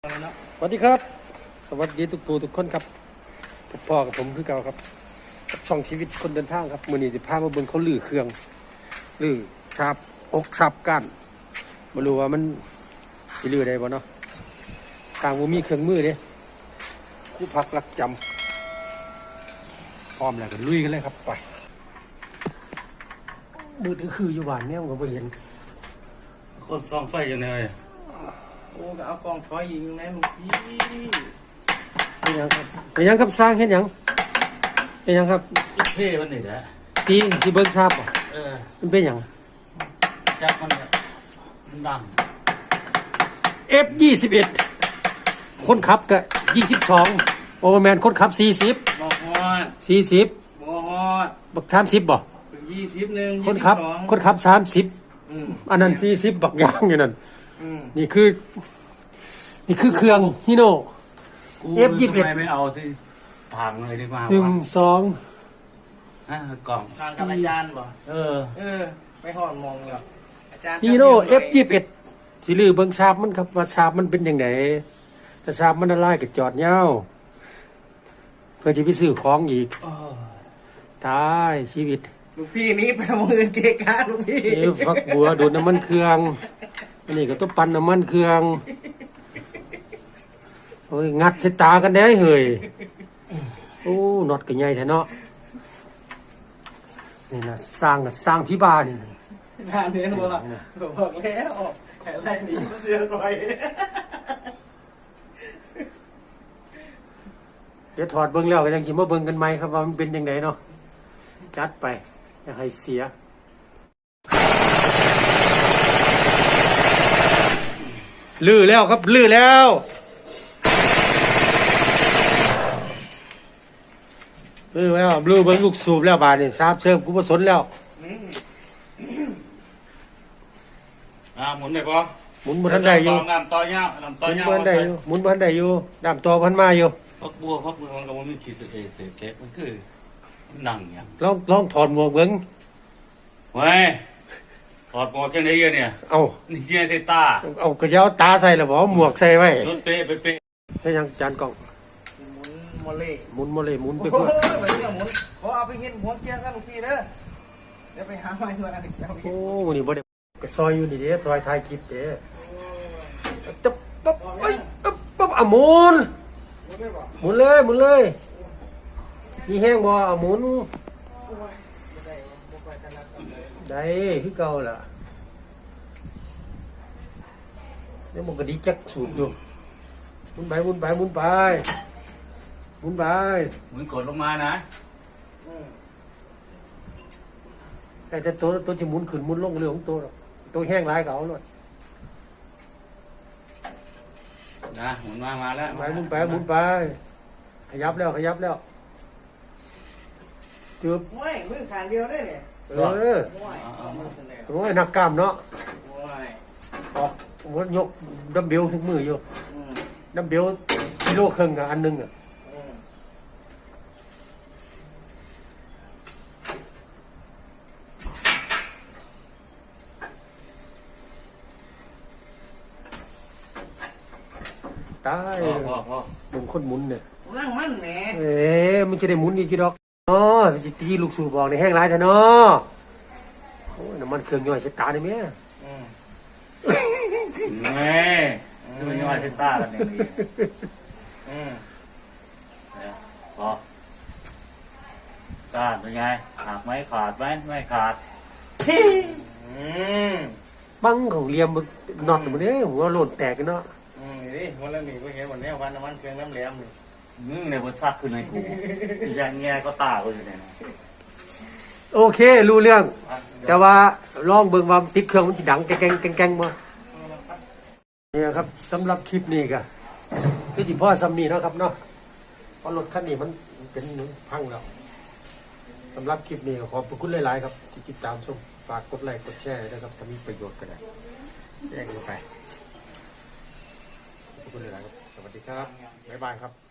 สวัสดีครับสวัสดีทุกผู้ทุกคนครับพ่อกับผมคือเก่าครับช่องชีวิตคนเดินทางครับมื้อนี้จะพามาเบิ่งเขาลื้อเครื่องลื้อฉาบอกฉาบก้านบ่รู้ว่ามันสิลื้อได้บ่เนาะต่างบ่มีเครื่องมือเด้ครูพักรักจำพร้อมแล้วก็ลุยกันเลยครับไปมืดคืออยู่บ้านเนี่ยมันก็บ่เห็นคนส่องไฟยังไงโอ้ก็เอากองถอยยิงแน่ลูกพี่เป็นยังครับเป็นยังครับสร้างเฮ็ดหยังเป็นยังครับอีเพ่มันนี่แหละตีสิเบิ่งฉาบบ่มันเป็นหยังจับมันดัง F21 คนขับก็22โอเวอร์แมนคนขับ40 บอกฮอด 40 บอกฮอดบัก30บ่ 21 คนขับ30อันนั้น40บักยางอยู่นั่นนี่คือเครื่องฮิโน่ F21 ทำไมไม่เอาที่ทางเลยดีกว่า 1 2 กล่องทางกับอาจารย์บ่ไปหอดมองแล้วอาจารย์ฮิโน่ F21 สิลือเบิ่งฉาบมันครับว่าฉาบมันเป็นจังได๋ถ้าฉาบมันละลายก็จอดยาวเพื่อสิไปซื้อของอีกตายชีวิตลูกพี่นี้ไปมองเงินเกะกะลูกพี่ฟักบัวดูดน้ำมันเครื่องอันนี้ก็ต้องปั่นน้ำมันเครื่องโอ้ยงัดใส่ตากันได้เฮ้ยโอ้น็อตก็ใหญ่แท้เนาะนี่นะสร้างที่บ้านนี่งานนี้บอกแล้วอะไรนี่เสือก่อยเดี๋ยวถอดเบิ่งแล้วก็ยังสิมาเบิ่งกันใหม่ครับว่ามันเป็นจังไดเนาะจัดไปอย่าให้เสียลื้อแล้วครับลื้อแล้วลื้อแล้วลื้อเบิ่งลูกสูบแล้วบาดนี่ทราบเชิมกูบ่สนแล้วหมุนได้ปะหมุนบ่ทันได้อยู่น้ำต่อยาวหมุนบ่ทันได้อยู่หมุนบ่ทันได้อยู่น้ำต่อบ่ทันมาอยู่พักบัวมันก็มันมีขีดเศษแก๊สมันคือหนังอย่างลองถอดหมวกเบิ่งเว้ยถอดหมวกแค่ไหนเนี่ยเอานี่เฮียใส่ตาเอากระยาวตาใส่แล้วบ่หมวกใส่ไว้รถเป๊ะให้ยังจานกล้องหมุนโมเล่หมุนไปเพื่อขอเอาไปเห็นหัวเกียร์กันลูกพี่เด้อเดี๋ยวไปหาไม้ด้วยกันอีกแล้วโอ้วันนี้บ่ได้ก็ซอยอยู่นี่เด้ซอยถ่ายคลิปเด้จะปั๊บปั๊บหมุนเลยมีแห้งบ่หมุนได้คือเก่าล่ะนี่มันก็ดีจักสูบอยู่หมุนไปหมุนกดลงมานะแต่ตัวที่หมุนขึ้นหมุนลงเรื่องของตัวแห้งหลายก็เอาเลยนะหมุนมาแล้วหมุนไปขยับแล้วจืบไม่มือขางเดียวได้เนี่ยโอ้ยนักกล้ามเนาะออกวันยกดัมเบลทุกมืออยู่ดัมเบลกิโลครึ่งอันนึงตายมึงคนหมุนเนี่ยนั่งมันแหมมันจะได้หมุนอีกกี่ดอกอ๋อจิตีลูกสูบบอกในแห้งไรแต่เนาะโอ้ยน้ำมันเครื่องย่อยเสตาได้ไหมดูย่อยเสตากันอย่างนี้พอขาดเป็นไงขาดไหมไม่ขาดบังของเลียมน็อตมันเนี่ยหัวโหล่นแตกกันเนาะนี่วันละหนึ่งก็เห็นวันนี้วันน้ำมันเครื่องน้ำแหลมเลยในบนซักคือในกูอย่างเงี้ยก็ตาก็อยู่เนี่ยโอเครู้เรื่องแต่ว่าลองเบิ่งว่าติดเครื่องมันจะดังแกงบ่นี่ครับสำหรับคลิปนี้ก็คือจิพ่อซัมมี่เนาะครับเนาะเพราะรถคันนี้มันเป็นพังแล้วสำหรับคลิปนี้ขอบคุณหลายๆครับที่ติดตามชมฝากกดไลค์กดแชร์นะครับถ้ามีประโยชน์ก็ได้แจ้งลงไปขอบคุณหลายๆครับสวัสดีครับบ๊ายบายครับ